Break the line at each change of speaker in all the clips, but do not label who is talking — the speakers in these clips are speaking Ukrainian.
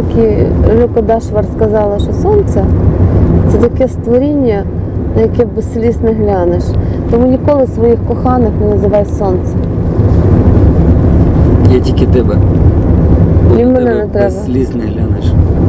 як Люка Дашвар сказала, що сонце – це таке створіння, на яке без сліз не глянеш. Тому ніколи своїх коханих не називай сонце.
Я тільки тебе.
І мене не треба.
Без сліз не глянеш.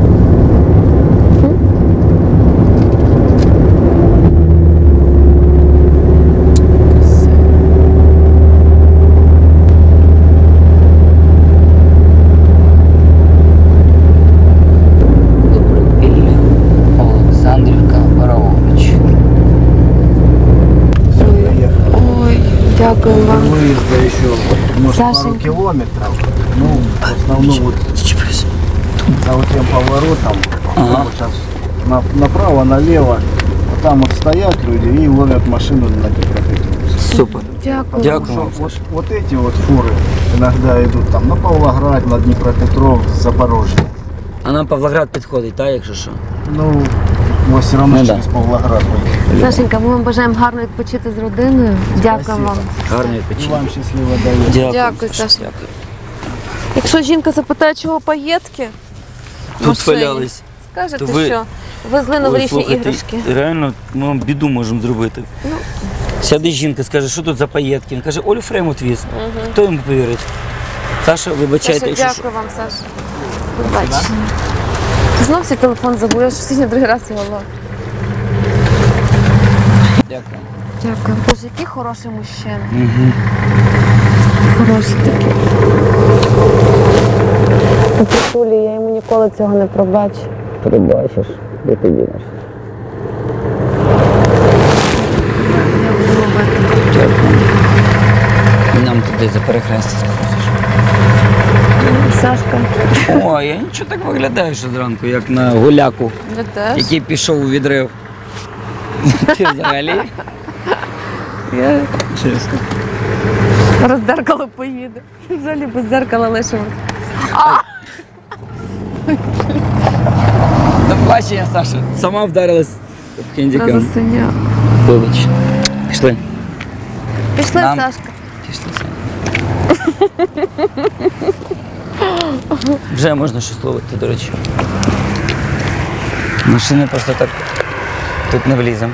Дякую вам.
Выезда еще, может, пару
Сашенька.
километров. Ну, в основном вот за вот тем поворотом, вот сейчас направо, налево, вот там вот стоят люди и ловят машину на Днепропетровск.
Супер.
Дякую.
Дякую.
Вот эти вот фуры иногда идут там на Павлоград, на Днепропетровск, Запорожье.
А нам Павлоград підходить, так, якщо що?
Ну, вот все равно
Ну,
через Павлоград выехали.
Сашенька, ми вам бажаємо гарно відпочити з родиною. Дякую вам.
Гарний
И
відпочинок.
вам счастливо доехать.
Дякую, Саша. Якщо жінка запитає, чого паєтки,
Тут валялись.
скажете,
То ви-
що везли новорічні іграшки.
Реально, ми вам біду можемо зробити. Сяде жінка, скаже, що тут за паєтки. Він каже, Олю Фреймут віз. Хто йому повірить? Саша, вибачайте,
Саша,
якщо що.
дякую вам, Саша. Побачення. Знов свій телефон забув, я ж сьогодні другий раз його ловлю.
Дякую.
Дякую. Боже, який хороший мужчина. Хороший такий. Петулі, я йому ніколи цього не пробачу.
Пробачиш, де ти дінеш? Дякую. І нам туди за перехрестя скажеш.
Сашка.
О, я нічого так виглядаю, що зранку, як на гуляку,
Я теж.
який пішов у відрив. Ти взагалі?
Я
Чесно.
зараз дзеркало поїде. Взагалі без дзеркала лишимось.
До побачення, Саша. Сама вдарилась об хендікам.
Засиняв.
Вибач. Пішли.
Пішли,
Нам-
Сашка.
Пішли, Саня. Вже можна щось ловити, до речі. Машини просто так тут не вліземо.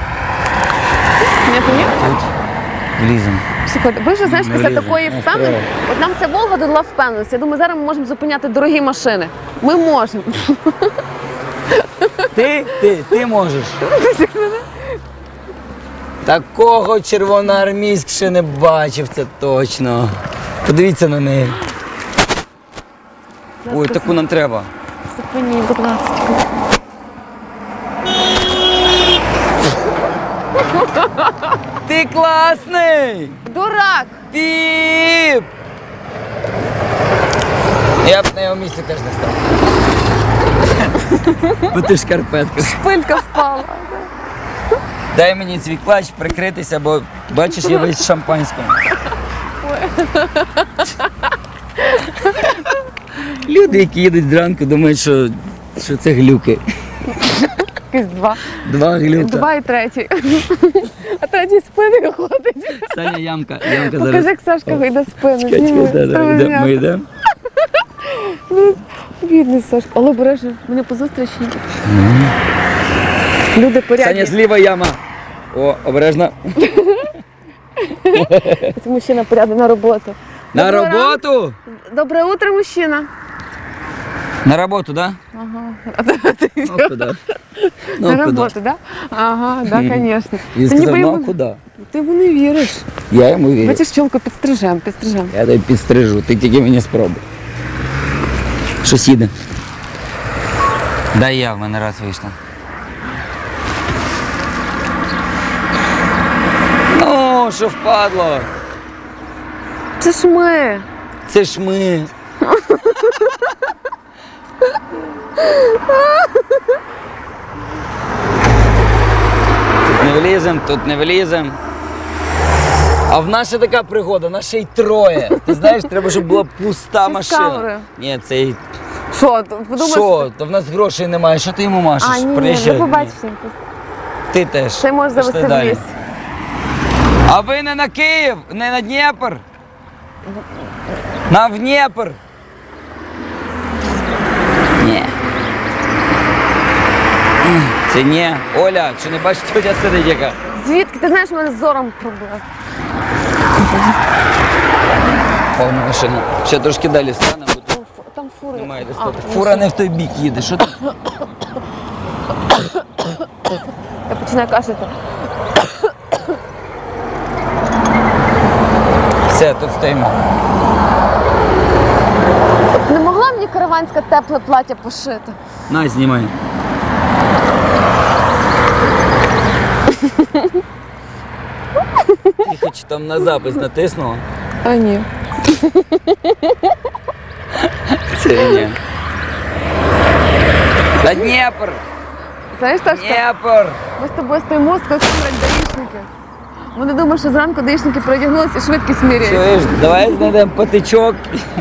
Не помів?
Тут вліземо.
Слухайте, ви вже, знаєш,
Не
після
влізе.
такої
Не
впевненості, от нам ця Волга додала впевненості. Я думаю, зараз ми можемо зупиняти дорогі машини. Ми можемо.
Ти можеш. Такого червоноармійськ ще не бачив, це точно. Подивіться на неї. Ой, таку нам треба.
Зупиніть, будь ласка.
Ти класний!
Дурак!
Піп! Я б на його місці теж не став. Бо ти в шкарпетках.
Шпилька впала.
Дай мені свій клач прикритися, бо бачиш, я весь в шампанському. Люди, які їдуть зранку, думають, що це глюки.
Якісь два.
Два глюка.
Два і третій. А третій спиною ходить.
Саня, ямка зараз.
Покажи, як Сашка вийде спину.
Чекай,
Зніми.
йдемо. Ми йдемо.
Бідний Сашка. Але бережи, мене по зустрічі. Люди порядні.
Саня, зліва яма. О, обережно.
Це мужчина порядний на роботу.
На
Доброго
роботу?
Доброе утро, мужчина.
На роботу, да?
Ага.
Ну, куди? Ну,
На
куди?
роботу, да? Ага, да, конечно.
Він
Та ніби
сказав, ну, а
йому-
куди?
Ти йому не віриш.
Я йому вірю.
Бачиш, чолку підстрижем.
Я тебе підстрижу, ти тільки мені спробуй. Щось їде. Дай я, в мене раз вийшла. Ну, що впадло?
Це ж ми.
Це ж ми. Тут не влізем, тут не влізем. А в нас ще така пригода, нас ще й троє. Ти знаєш, треба, щоб була пуста
Ти з
машина.
камерою.
Ні, це й...
Що, подумаєш?
Що? То в нас грошей немає, що ти йому машеш?
А, ні,
Приїжджай.
ну побачиш.
Ти теж.
Це можеш
Пішли
завести в
далі.
ліс.
А ви не на Київ, не на Дніпр? На в Дніпр. Ні. Це ні. Оля, чи не бачиш, тетя сидить яка?
Звідки? Ти знаєш, у мене з зором проблема.
Повна машина. Ще трошки далі стане, бо тут
Там фури.
немає де стати. Фура не в той бік їде. Що там?
Я починаю кашляти.
Все, тут стоїмо.
Не могла мені караванське тепле плаття пошити?
На, знімай. Ти хоч там на запис натиснула?
А ні.
Це ні. Та Дніпр!
Знаєш, Сашка,
Дніпр!
ми з тобою стоїмо, скільки даїшники. Вони думають, що зранку даїшники переодягнулися і швидкість міряють.
Чуєш, давай знайдемо патичок.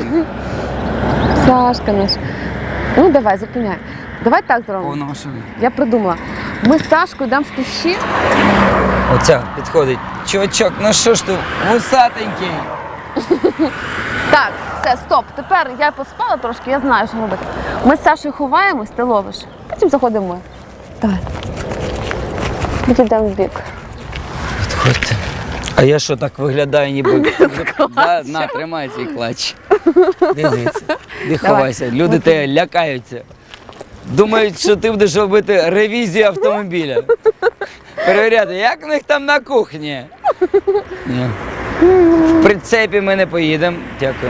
Сашка наш. Ну давай, зупиняй. Давай так зробимо.
Повна машина.
Я придумала. Ми з Сашкою йдемо в кущі.
Оця підходить. Чувачок, ну що ж ти, вусатенький.
Так, все, стоп. Тепер я поспала трошки, я знаю, що робити. Ми з Сашою ховаємось, ти ловиш. Потім заходимо ми. Давай. Ми йдемо в бік.
Підходьте. А я що так виглядаю, ніби... Да, на, тримай цей клач. Дивіться, де ховайся. Люди тебе лякаються. Думають, що ти будеш робити ревізію автомобіля. Перевіряти, як в них там на кухні. Ні. В прицепі ми не поїдемо. Дякую.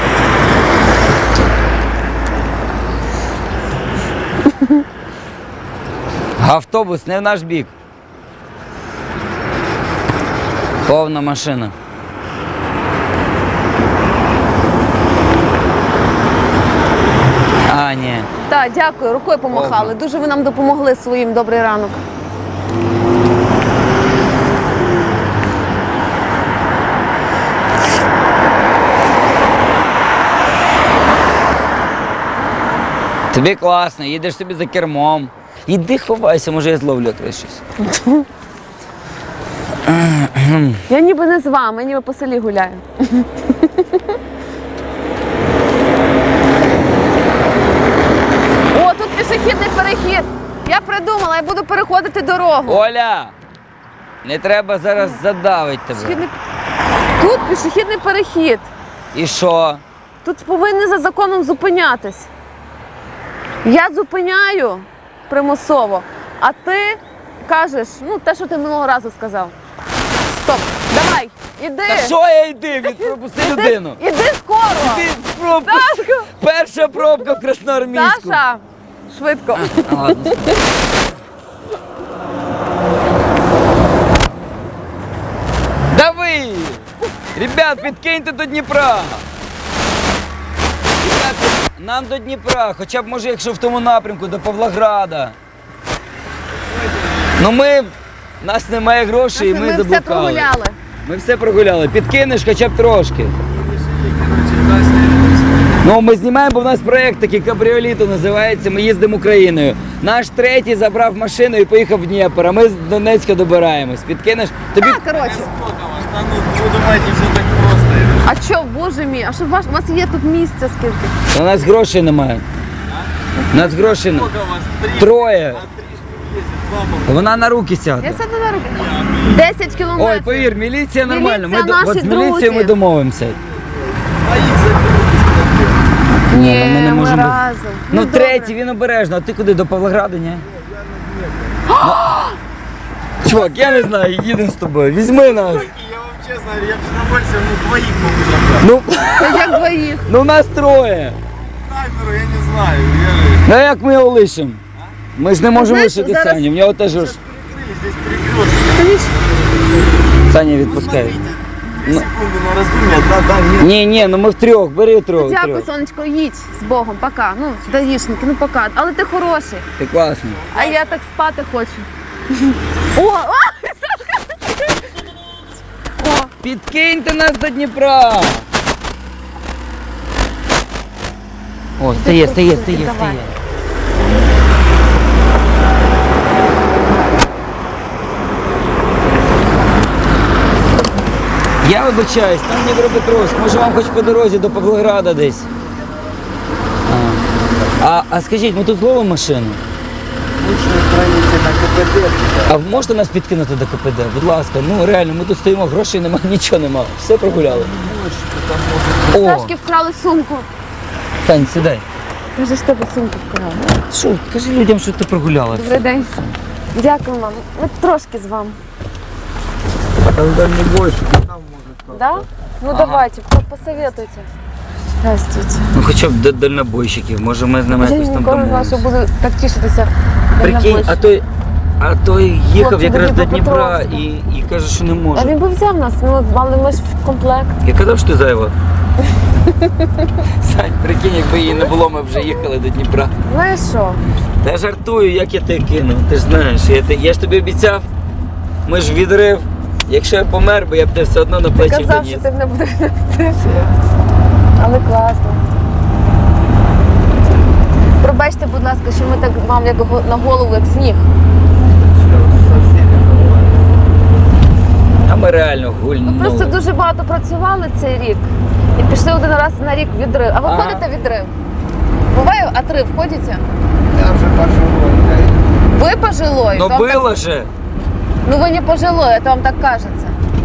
Автобус не в наш бік. Повна машина. А, ні.
Так, дякую, рукою помахали. Дуже ви нам допомогли своїм добрий ранок.
Тобі класно, їдеш собі за кермом. Іди ховайся, може я зловлю тебе щось.
Я ніби не з вами, я ніби по селі гуляю. О, тут пішохідний перехід. Я придумала, я буду переходити дорогу.
Оля! Не треба зараз задавити тебе.
Пішохідний- Тут пішохідний перехід.
І що?
Тут повинні за законом зупинятись. Я зупиняю примусово, а ти кажеш, ну те, що ти минулого разу сказав. Стоп, давай, іди.
Та що я йди? Пропусти людину.
Іди скоро.
Іди в пробку.
Сашко!
Перша пробка в Красноармійську.
Саша, швидко.
Ладно. Дави! Ребят, підкиньте до Дніпра. Ребят, нам до Дніпра, хоча б може, якщо в тому напрямку, до Павлограда. Ну ми, в нас немає грошей, і ми
Ми все
заблукали.
прогуляли.
Ми все прогуляли. Підкинеш хоча б трошки. Ну, ми знімаємо, бо в нас проєкт такий кабріоліто називається, ми їздимо Україною. Наш третій забрав машину і поїхав в Дніпро, а ми з Донецька добираємось. Підкинеш? Тобі
Так, коротше.
Да ну, вы думаете, все так просто?
А що, боже мій, а що у вас є тут місця скільки?
у нас грошей немає. У нас грошей немає.
Сколько вас? Три?
Троє.
А три штуки ездит, два
Вона на руки
Я
сяде.
сяду на руки. 10 кілометрів.
Ой, повір, міліція нормально.
Міліція
От
наші
з міліцією ми
друзі.
домовимося.
двоих заберут.
Ні,
ми не
ми
можемо.
разом.
Ну,
добре.
третій, він обережно. А ти куди? До Павлограду, ні? Ну, чувак, я не знаю, їдемо з тобою. Візьми нас.
Я вам честно говорю, я бы с удовольствием двоих могу забрать.
Ну,
Та як двоїх?
ну нас троє.
Камеру я не знаю. Я же...
Ну а як ми його лишимо? Ми ж не можемо
знаєш,
лишити
зараз-
Саню, в нього теж ж.
Перекрыли, здесь перекресток.
Саня відпускає.
Смотрите, 2 секунды на раздумье, да,
Ні, ну ми втрьох, бери трьох.
Дякую, сонечко, їдь з Богом, пока. Ну, даїшники, ну пока. Але ти хороший.
Ти класний.
А я так спати хочу. О, Сашка! О,
Підкиньте нас до Дніпра. О, стає.
Давай.
Я вибачаюсь, там Дніпропетровськ, може вам хоч по дорозі до Павлограда десь. А скажіть, ми тут зловимо машину?
Лучше устраните на КПД.
А можете нас підкинути до КПД? Будь ласка, ну реально, ми тут стоїмо, грошей нема, нічого нема. Все прогуляли. О,
Сашки вкрали сумку.
Сань, сідай.
Каже, що тебе сумку вкрали.
Що, кажи людям, що ти прогуляла.
Добрий день. Дякую вам. Ми трошки з вами.
Тогда не больше, там может
Да? Ну давайте, посоветуйте. Здравствуйте.
Ну хоча б до дальнобойщиків, може ми з ними
Я
якось там
ніколи не знала, що буду так тішитися.
Прикинь, а той їхав
Хлопці,
якраз до Дніпра
Дніпропетровська.
і каже, що не
А
може.
він би взяв нас, ну, але ми ж в комплект.
Я казав, що ти зайва. Сань, прикинь, якби її не було, ми вже їхали до Дніпра.
Знаєш що?
Та жартую, як я тебе кину. Ти ж знаєш, я ж тобі обіцяв, ми ж відрив. Якщо я помер, бо я б тебе все одно на
Ти
плечі
казав,
доніс.
що ти мене будеш нести. Але класно. Пробачте, будь ласка, що ми так мав як на голову, як сніг.
А ми реально гульнули.
Просто дуже багато працювали цей рік і пішли один раз на рік в відрив. А ви
Ага.
ходите в відрив? Буває отрив, ходите?
Я уже пожилой,
Ви пожилой?
Ну
то вам
було
так...
же.
Ну ви не пожилой, это вам так кажется.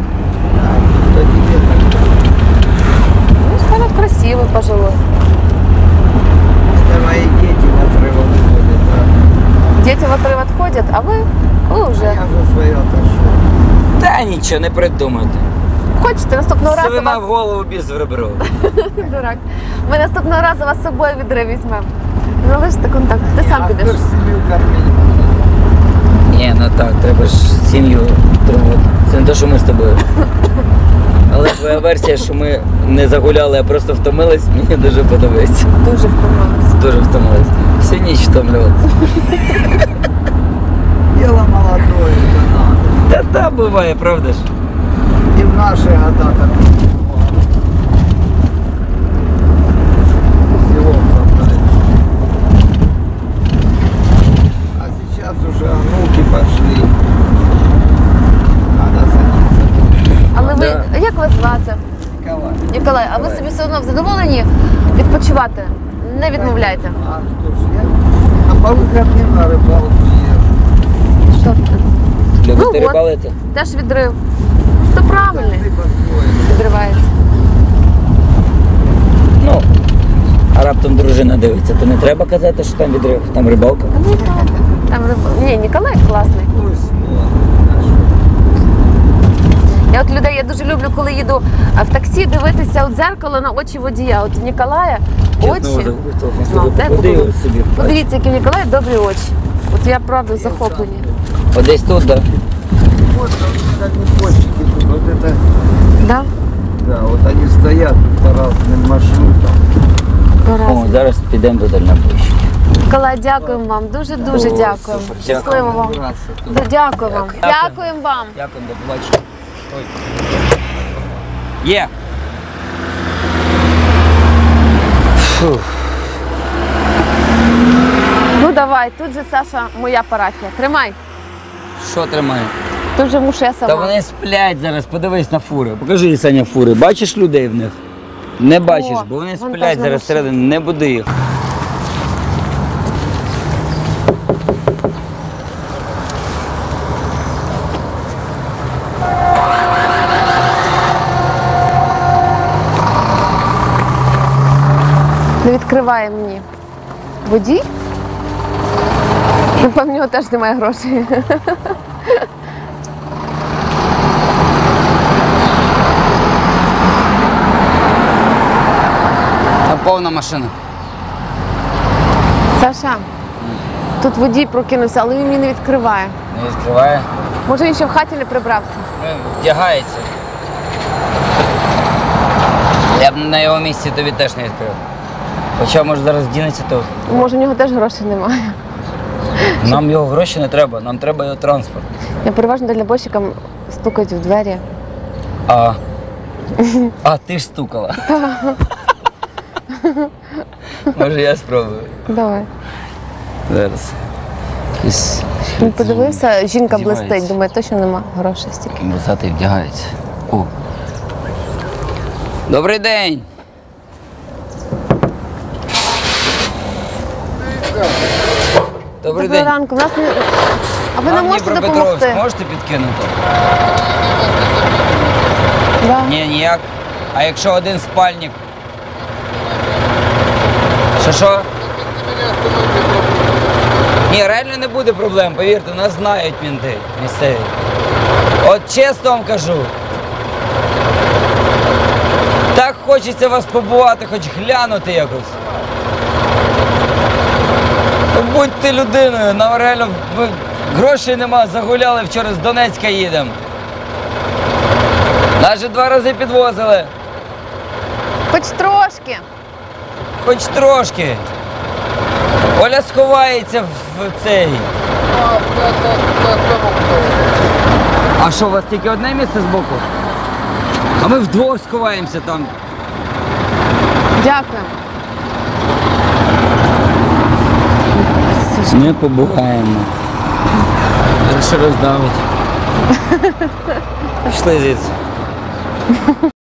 Ну, Сталин красивый пожилой.
Это мои дети в отрыв выходят, да.
Дети в отрыв отходят, а вы уже.
Я за свое отошел.
Та нічого, не придумайте.
Хочете наступного разу
Свина в
вас...
голову біз в ребро.
Дурак. Ми наступного разу вас з собою в відрив візьмемо. Залиште контакт. Ти сам
А
підеш.
кто ж семью кормить?
Ні, ну так, треба ж сім'ю тримати. Це не те, що ми з тобою. Але твоя версія, що ми не загуляли, а просто втомились, мені дуже подобається.
Дуже втомилась.
Дуже втомились. Всю ніч втомлювалися.
Дело молодое, это надо.
Та буває, правда ж?
И в наши года так бывало. Всего хватает. А сейчас уже внуки пошли. Надо садиться.
Але ви,
Да.
як вас звати?
Николай.
Ніколай, а ви собі все одно задоволені відпочивати? Не відмовляйте.
А что ж я? А по выходным на рыбалку езжу.
Що ти?
Любите
от.
рибалити?
Теж відрив. То правильний.
Ты по-своему.
Відривається.
Ну, а раптом дружина дивиться, то не треба казати, що там відрив, там рибалка.
Там Ні, Ніколай класний.
Пусть смотрит.
Я от людей, я дуже люблю, коли їду в таксі, дивитися у дзеркало на очі водія. От у Ніколая очі. Ну, де
Куди
було?
собі?
Подивіться, які в Ніколая добрі очі. От я правда захоплені.
От десь тут, так? Да?
Вот как непольщики тут. Вот это,
Да?
да, вот они стоят по разным маршрутам.
О,
Пора.
зараз підемо до дальнобойщиків.
Ніколай, дякуємо вам. Дуже-дуже
О,
дякуємо.
супер,
Щасливо вам.
Браться тут.
Да, Дякую вам.
Дякую.
Дякуємо вам.
Дякую, до побачення. Ой. Є. Фух.
Ну давай, тут же Саша, моя парафія. Тримай.
Що тримає?
Тут вже мушу я
Та
сама.
вони сплять зараз, подивись на фури. Покажи, Саня, фури. Бачиш людей в них? Не бачиш, бо вони
вон
сплять
та
зараз
машина.
всередині, не буди їх.
Не відкриває мені. Водій? Напевно, в нього теж немає грошей.
Там повна машина.
Саша, тут водій прокинувся, але він мені не відкриває.
Не відкриває.
Може він ще в хаті не прибрався?
Вдягається. Я б на його місці тобі теж не відкрив. Хоча, може, зараз дінеться, то
Може, в нього теж грошей немає.
нам його гроші не треба, нам треба його транспорт.
Я переважно дальнобойщикам стукають в двері.
А ти ж стукала. Може, я спробую.
Давай.
Зараз. Якийсь
Він подивився, жінка
Вдівається.
блистить, думає, точно нема грошей стільки.
Вусатий вдягається. О. Добрий день! Добрий
Доброго
день.
ранку. У нас А ви не
Нам
можете
Дніпропетровськ
допомогти?
можете підкинути?
Да.
Ні, ніяк. А якщо один спальник? Що? Ні, реально не буде проблем, повірте, нас знають мінти місцеві. От чесно вам кажу. Так хочеться вас побувати, хоч глянути якось. Ну, будьте людиною, нам реально грошей нема, загуляли, вчора з Донецька їдемо. Нас же 2 рази підвозили,
Хоч трошки.
хоч трошки. Оля сховається в цей. А що, у вас тільки одне місце збоку? А ми вдвох сховаємося там.
Дякую.
Не побуваємо. Ще роздавить. Пішли звідси.